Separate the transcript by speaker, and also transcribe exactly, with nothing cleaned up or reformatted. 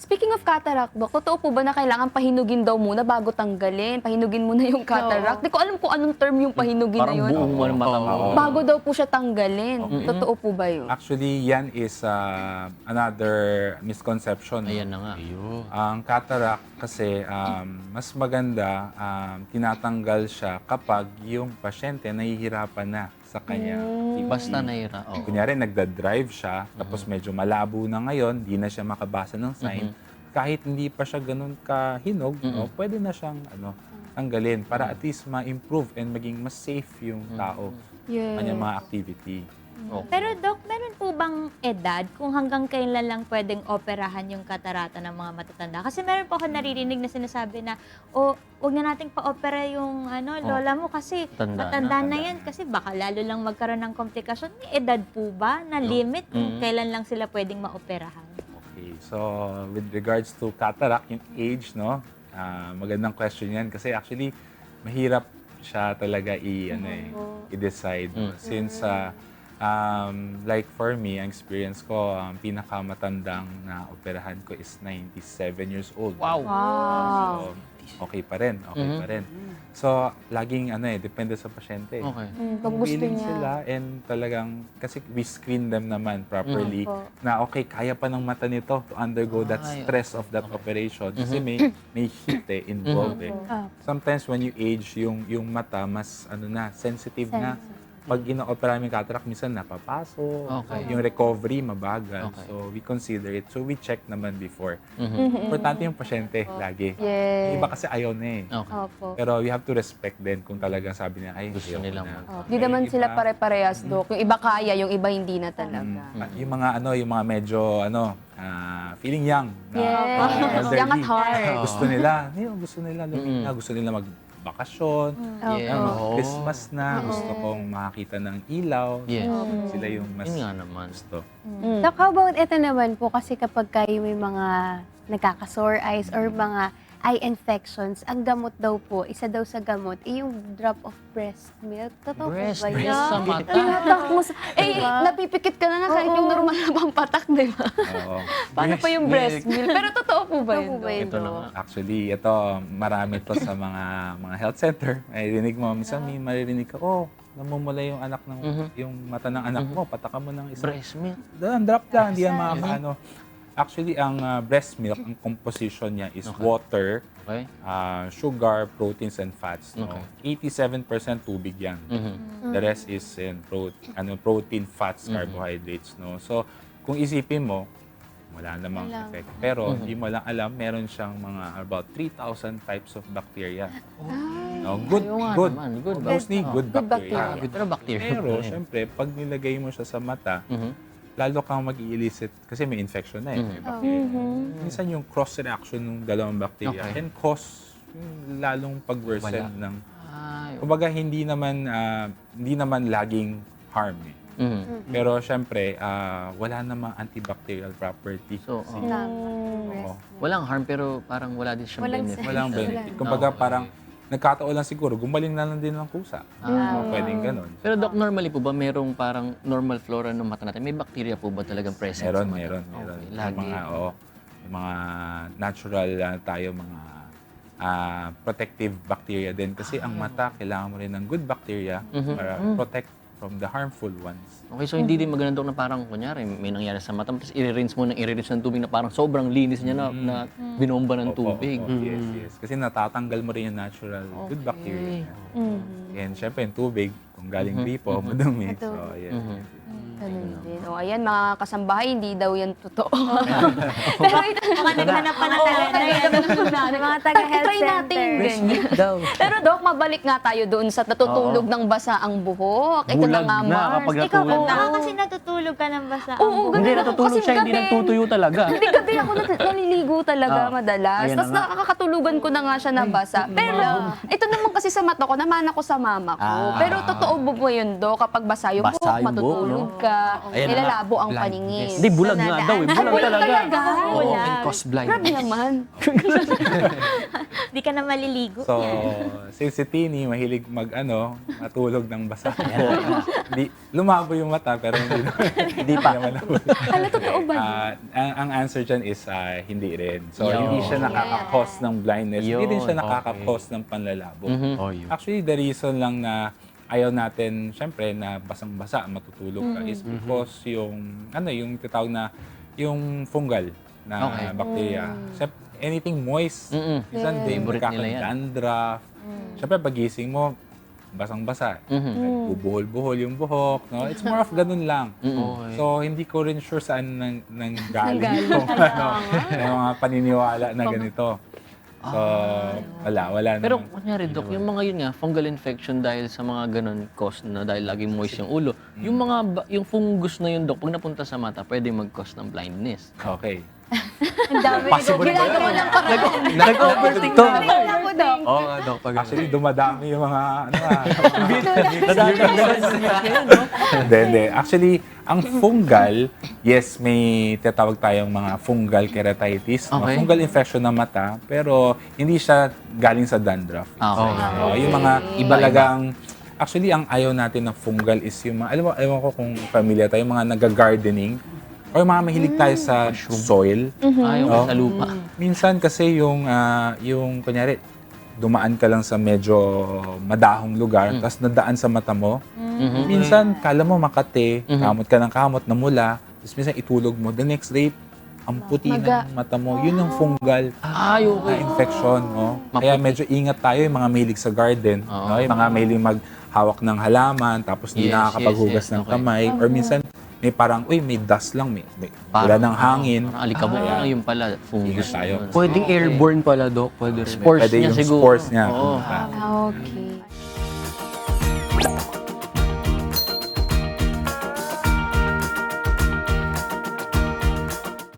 Speaker 1: Speaking of cataract, Dok, totoo po ba na kailangan pahinugin daw muna bago tanggalin? Pahinugin muna yung cataract? Di ko alam kung anong term yung pahinugin na
Speaker 2: Parang
Speaker 1: yun.
Speaker 2: buong walang mata mo.
Speaker 3: Oo.
Speaker 1: Bago daw po siya tanggalin.
Speaker 3: Okay.
Speaker 1: Totoo po ba yun?
Speaker 3: Actually, yan is uh, another misconception.
Speaker 2: Ayan na nga.
Speaker 3: Ang cataract kasi um, mas maganda um, tinatanggal siya kapag yung pasyente nahihirapan na sa kanya.
Speaker 2: Basta nahira. Oh.
Speaker 3: Kunyari, nagda-drive siya, tapos medyo malabo na ngayon, di na siya makabasa ng sign. Kahit hindi pa siya ganun kahinog, no, pwede na siyang ano, tanggalin para at least ma-improve and maging mas safe yung tao
Speaker 1: Yes.
Speaker 3: kanyang mga activity.
Speaker 2: Okay.
Speaker 4: Pero Doc, meron po bang edad kung hanggang kailan lang pwedeng operahan yung katarata ng mga matatanda? Kasi meron po ako naririnig na sinasabi na, o, wag na nating pa-opera yung ano, lola mo kasi
Speaker 2: Tanda
Speaker 4: matanda
Speaker 2: na.
Speaker 4: na, yan. Kasi baka lalo lang magkaroon ng komplikasyon. May edad po ba na limit kung
Speaker 2: Mm.
Speaker 4: kailan lang sila pwedeng maoperahan?
Speaker 3: Okay, so with regards to cataract, yung age, no, ah, magandang question yan kasi actually mahirap siya talaga i ano eh, i-decide no? Since ah, um, like for me, ang experience ko, ang pinakamatandang na operahan ko is ninety-seven years old.
Speaker 2: Wow.
Speaker 1: Wow.
Speaker 3: So, okay pa rin, okay
Speaker 2: Mhm.
Speaker 3: pa rin. So, laging ano eh, depende sa pasyente.
Speaker 2: Okay.
Speaker 1: Mm, pag
Speaker 3: Kung
Speaker 1: gusto
Speaker 3: willing
Speaker 1: niya.
Speaker 3: sila and talagang, kasi we screen them naman properly
Speaker 1: Opo.
Speaker 3: na okay, kaya pa ng mata nito to undergo that
Speaker 2: Ay,
Speaker 3: stress of that operation kasi may may heat eh, involved eh.
Speaker 1: Ah.
Speaker 3: Sometimes when you age, yung yung mata mas ano na, sensitive na. Pag ina-opera yung cataract, minsan napapaso.
Speaker 2: Okay.
Speaker 3: Yung recovery mabagal.
Speaker 2: Okay.
Speaker 3: So we consider it. So we check naman before.
Speaker 2: Mhm.
Speaker 3: Importante yung pasyente lagi.
Speaker 1: Yes.
Speaker 3: Yung iba kasi ayaw na eh.
Speaker 2: Okay.
Speaker 1: Opo.
Speaker 3: Pero we have to respect din kung talagang sabi niya, ay,
Speaker 2: Gusto
Speaker 3: ayaw ko
Speaker 2: nilang
Speaker 3: na.
Speaker 2: mag-
Speaker 1: Oh, Di naman
Speaker 3: Yung
Speaker 1: sila
Speaker 3: iba,
Speaker 1: pare-parehas, Dok. Yung iba kaya, yung iba hindi na talaga.
Speaker 3: ah, Yung mga ano, yung mga medyo ano, ah, feeling young. na,
Speaker 1: Yes.
Speaker 3: ah, elderly.
Speaker 1: Young at heart.
Speaker 3: Gusto nila, yun, gusto nila lumina, gusto nila magbakasyon.
Speaker 2: Yeah.
Speaker 3: Ano,
Speaker 1: Opo.
Speaker 3: Christmas na, gusto kong makakita ng ilaw.
Speaker 2: Yes.
Speaker 3: Sila yung mas
Speaker 2: Yun nga naman.
Speaker 3: gusto.
Speaker 5: Doc, how about ito naman po kasi kapag kayo may mga nagkaka-sore eyes or mga eye infections, ang gamot daw po, isa daw sa gamot, eh, yung drop of breast milk. Totoo
Speaker 2: Breast
Speaker 5: po ba
Speaker 2: milk
Speaker 5: yun?
Speaker 2: sa mata.
Speaker 1: Tinatak mo sa... Eh,
Speaker 5: Diba?
Speaker 1: napipikit ka na na kahit yung normal na pampatak, di ba?
Speaker 3: Oo.
Speaker 1: Paano pa yung breast milk? Pero totoo po ba
Speaker 5: Totoo
Speaker 1: yun,
Speaker 5: po ba
Speaker 1: Dok?
Speaker 5: yun,
Speaker 2: Ito na
Speaker 5: Doc?
Speaker 2: nga.
Speaker 3: Actually, ito, marami to sa mga mga health center. May rinig mo, minsan may maririnig ka, oh, namumula yung anak ng,
Speaker 2: Mhm.
Speaker 3: yung mata ng anak mo, patakan mo ng isang
Speaker 2: Breast milk.
Speaker 3: Doon, drop lang, hindi yan makakaano. Actually, ang ah, breast milk, ang composition niya is
Speaker 2: Okay.
Speaker 3: water,
Speaker 2: Okay.
Speaker 3: ah, sugar, proteins, and fats. No?
Speaker 2: Okay.
Speaker 3: eighty-seven percent tubig yan.
Speaker 2: Mhm.
Speaker 3: The rest is in pro- ano, protein, fats, carbohydrates. No? So, kung isipin mo, wala namang effect. Pero, hindi mo lang alam, meron siyang mga about three thousand types of bacteria. No? Good,
Speaker 2: Ayaw nga
Speaker 3: good.
Speaker 2: naman, good
Speaker 3: Mostly
Speaker 2: ba-
Speaker 3: good,
Speaker 1: Good
Speaker 3: bacteria.
Speaker 1: bacteria.
Speaker 2: Pero bacteria
Speaker 3: Pero,
Speaker 2: pa rin.
Speaker 3: syempre, pag nilagay mo siya sa mata,
Speaker 2: Mhm.
Speaker 3: lalo kang mag-i-elicit kasi may infection na eh.
Speaker 2: Mhm.
Speaker 3: May bacteria. Minsan yung cross-reaction ng dalawang bacteria
Speaker 2: Okay.
Speaker 3: can cause yung lalong pag-worsen
Speaker 2: Wala.
Speaker 3: ng...
Speaker 2: Ay,
Speaker 3: Kumbaga, hindi naman, ah, hindi naman laging harm eh.
Speaker 2: mhm.
Speaker 3: Pero syempre, ah, wala namang antibacterial property.
Speaker 2: So,
Speaker 3: Kasi,
Speaker 2: oh.
Speaker 3: oo,
Speaker 2: Walang harm pero parang wala din siyang
Speaker 5: Walang
Speaker 2: benefit.
Speaker 3: walang
Speaker 5: Wala.
Speaker 3: benefit. Kumbaga,
Speaker 2: Okay.
Speaker 3: parang nagkataon lang siguro, gumaling na lang din ng kusa.
Speaker 2: Ah.
Speaker 3: Oo, pwedeng ganun.
Speaker 2: Pero Doc, normally po ba merong parang normal flora ng mata natin? May bacteria po ba talagang present
Speaker 3: Meron,
Speaker 2: sa mata?
Speaker 3: meron, meron.
Speaker 2: Okay,
Speaker 3: Yung
Speaker 2: lagi.
Speaker 3: mga, oo, yung mga natural ah, tayo, mga ah, protective bacteria din. Kasi ang mata, kailangan mo rin ng good bacteria
Speaker 2: Mhm.
Speaker 3: para protect from the harmful ones.
Speaker 2: Okay, so hindi din maganda Doc na parang kunyari may nangyari sa mata mo tapos i-rinse mo ng i-rinse ng tubig na parang sobrang linis niya na, na binomba ng
Speaker 3: Opo,
Speaker 2: tubig.
Speaker 3: opo, yes, yes. Kasi natatanggal mo rin yung natural good bacteria. And syempre, yung tubig, kung galing gripo, madumi. So, yes.
Speaker 2: Mhm.
Speaker 1: Ganun din. O, ayan, mga kasambahay, hindi daw yan totoo. Pero ito,
Speaker 4: Baka naghanap pa na talaga.
Speaker 5: Mga taga-health
Speaker 1: try natin
Speaker 5: center.
Speaker 1: ganyan. Pero Dok, mabalik nga tayo doon sa natutulog ng basa ang buhok. Ito na
Speaker 6: Bulag
Speaker 1: nga,
Speaker 6: na
Speaker 1: Mars.
Speaker 6: kapag
Speaker 4: Ikaw,
Speaker 6: natulog.
Speaker 4: baka kasi natutulog ka ng basa.
Speaker 1: Oo,
Speaker 4: ang
Speaker 1: ganun
Speaker 6: Hindi
Speaker 1: ako.
Speaker 6: natutulog
Speaker 1: Kasi
Speaker 6: siya, hindi
Speaker 1: gabi-
Speaker 6: nagtutuyo talaga.
Speaker 1: Hindi gabi ako nat- naliligo talaga
Speaker 6: Ah,
Speaker 1: madalas.
Speaker 6: ayan
Speaker 1: Tapos
Speaker 6: na nga.
Speaker 1: nakakatulugan ko na nga siya nabasa. Pero ito naman kasi sa mata ko, naman ako sa mama ko.
Speaker 6: Ah.
Speaker 1: Pero totoo ba po yun, Do? Kapag basa yung
Speaker 6: Basa
Speaker 1: buhok,
Speaker 6: yung buhok,
Speaker 1: matutulog
Speaker 6: no?
Speaker 1: ka,
Speaker 6: Ayan na nga.
Speaker 1: nilalabo ang paningin.
Speaker 6: Hindi, bulag nga daw eh. Bulag
Speaker 1: bulag
Speaker 6: talaga.
Speaker 1: talaga.
Speaker 6: Oo,
Speaker 4: Bulag.
Speaker 6: can cause blind.
Speaker 1: Grabe naman.
Speaker 4: Di ka na maliligo.
Speaker 3: So, si si Tini, mahilig mag, ano, matulog ng basa. Di, lumabo yung mata, pero hindi naman.
Speaker 6: Hindi pa.
Speaker 3: naman
Speaker 1: Hala, totoo ba?
Speaker 3: Ah, ang, ang answer dyan is ah, hindi rin. So,
Speaker 2: Yo.
Speaker 3: hindi siya nakaka-cause ng blindness. Hindi rin siya
Speaker 6: Yun,
Speaker 3: nakaka-cause ng panlalabo.
Speaker 2: Mhm.
Speaker 6: Oh, yun.
Speaker 3: Actually, the reason lang na ayaw natin, syempre, na basang-basa, matutulog ka, is because yung, ano, yung titawag na, yung fungal na
Speaker 2: Okay.
Speaker 3: bacteria. Syempre, anything moist,
Speaker 2: Mm-mm.
Speaker 3: minsan
Speaker 1: Yes.
Speaker 3: din
Speaker 2: Favorite nila yan.
Speaker 3: magkakadandraff. Syempre, pagising mo, basang-basa.
Speaker 2: Mhm.
Speaker 3: Nagbubuhol-buhol yung buhok. No? It's more of ganun lang.
Speaker 2: Mm-mm.
Speaker 3: So, hindi ko rin sure saan nang, nang galing yung, ano, yung mga paniniwala na ganito. So, wala, wala
Speaker 2: Pero
Speaker 3: naman.
Speaker 2: kunyari, Dok, yung mga yun nga, fungal infection dahil sa mga ganun cause na dahil laging moist yung ulo, yung mga, ba- yung fungus na yun, Dok, pag napunta sa mata, pwede mag-cause ng blindness.
Speaker 3: Okay.
Speaker 5: Ang dami.
Speaker 6: Possible ba
Speaker 5: Ginagawa
Speaker 6: yun?
Speaker 5: ng paraan.
Speaker 6: Nag-overthink
Speaker 5: Tingnan mo daw.
Speaker 6: Oo nga, Dok. Pag
Speaker 3: Actually, dumadami yung mga, ano ah.
Speaker 2: Hindi,
Speaker 3: Hindi, hindi. Actually, ang fungal, yes, may tinatawag tayong mga fungal keratitis, mga
Speaker 2: Okay.
Speaker 3: fungal infection ng mata, pero hindi siya galing sa dandruff.
Speaker 2: Okay.
Speaker 3: Oo, yung mga ibalagang, actually, ang ayaw natin ng fungal is yung mga, alam mo, ewan ko kung familiar tayo, yung mga nag-gardening, o yung mga mahilig tayo sa soil.
Speaker 2: Ayaw
Speaker 3: Oh.
Speaker 2: sa lupa.
Speaker 3: Minsan kasi yung, ah, yung kunyari, dumaan ka lang sa medyo madahong lugar, tapos nadaan sa mata mo. Minsan, kala mo makate, kamot ka ng kamot, namula, tapos minsan itulog mo. The next day, ang puti
Speaker 1: Maga.
Speaker 3: ng mata mo. Yun yung fungal
Speaker 2: Ay,
Speaker 3: na
Speaker 2: okay.
Speaker 3: infection. No? Kaya medyo ingat tayo yung mga mahilig sa garden.
Speaker 2: Oo.
Speaker 3: No? Yung mga mahilig maghawak ng halaman, tapos hindi
Speaker 2: Yes,
Speaker 3: nakakapaghugas
Speaker 2: yes, yes.
Speaker 3: ng
Speaker 2: Okay.
Speaker 3: kamay. Or minsan, may parang, uy, may dust lang, may, may wala ng hangin.
Speaker 2: Parang alikabok na yun pala, fungus
Speaker 3: Ingat tayo.
Speaker 2: yun.
Speaker 6: Pwedeng airborne pala, Dok. Pwede rin.
Speaker 2: Spores
Speaker 3: Pwede
Speaker 2: niya
Speaker 3: yung
Speaker 2: siguro.
Speaker 3: spores niya.
Speaker 2: Oo.
Speaker 3: pumunta.
Speaker 1: Okay.